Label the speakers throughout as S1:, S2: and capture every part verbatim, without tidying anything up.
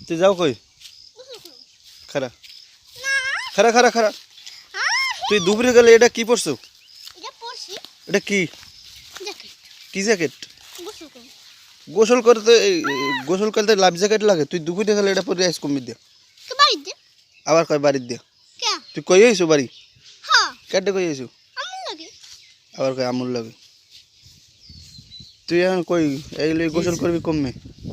S1: তুই যাও কই খারা খারা খারা খারা তুই দুপুরে গেলে এটা কি পরছো এটা কি কি জ্যাকেট গোসল করতে গোসল করতে লাইফ জ্যাকেট লাগে তুই দুপুরে গেলে এটা পরে আইস কমি দিয়া আবার কয় বাড়ির দিয়া তুই কই আইছো বাড়ি কেটে কই আইছো আবার কয় আমুল লাগে তুই এখন কই এইগুলো গোসল করবি কমে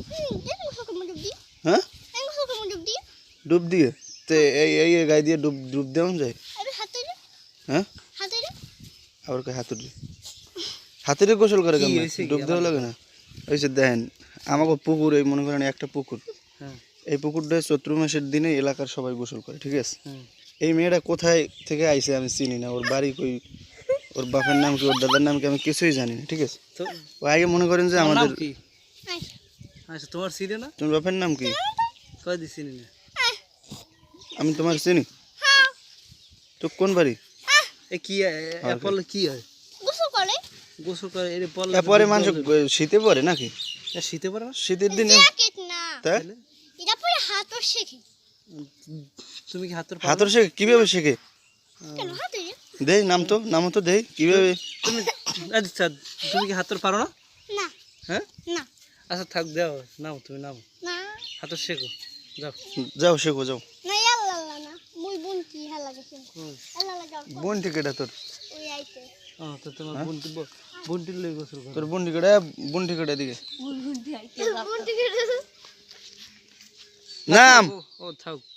S1: হ্যাঁ ডুব দিয়ে তো এই এই গায়ে দিয়ে ডুব ডুব দেওয়া যায় হ্যাঁ আবার কয় হাতুড়ি হাতুড়ি গোসল করে কেমন ডুব দেওয়া লাগে না ওই যে দেখেন আমাকে পুকুর এই মনে করেন একটা পুকুর এই পুকুরটা চৈত্র মাসের দিনে এলাকার সবাই গোসল করে ঠিক আছে এই মেয়েটা কোথায় থেকে আইছে আমি চিনি না ওর বাড়ি কই ওর বাপের নাম কি ওর দাদার নাম কি আমি কিছুই জানি না ঠিক আছে ও আগে মনে করেন যে আমাদের
S2: আচ্ছা তোমার চিনি না
S1: তোমার বাপের নাম কি
S2: কই দি চিনি না
S1: আমি তোমার চিনি তো কোন বাড়ি
S2: এ কি অ্যাপল কি হয় গোসল করে গোসল করে এর পল
S1: পরে মানুষ শীতে পড়ে নাকি
S2: শীতে পড়ে না
S1: শীতের দিনে তাই
S3: এটা পরে হাতর শেখে
S2: তুমি কি হাতর
S1: হাতর শেখে কিভাবে শেখে
S3: কেন হাতে
S1: দেই নাম তো নাম তো দেই কিভাবে
S2: তুমি আচ্ছা তুমি কি হাতর পারো না
S3: না
S2: হ্যাঁ
S3: না
S2: আচ্ছা থাক দাও নাও তুমি নাও
S3: না
S2: হাতর শেখো যাও
S1: যাও শেখো যাও
S3: না আল্লাহ আল্লাহ না মুই বোন কি হালা গেছে আল্লাহ আল্লাহ যাও
S1: বোন টিকেটা তোর
S3: ওই আইতে
S2: ও তো তোমার বোন বোন টিলে গোসল করো
S1: তোর বোন টিকেটা বোন টিকেটা দিকে
S3: বোন টিকে
S1: নাম
S2: ও থাক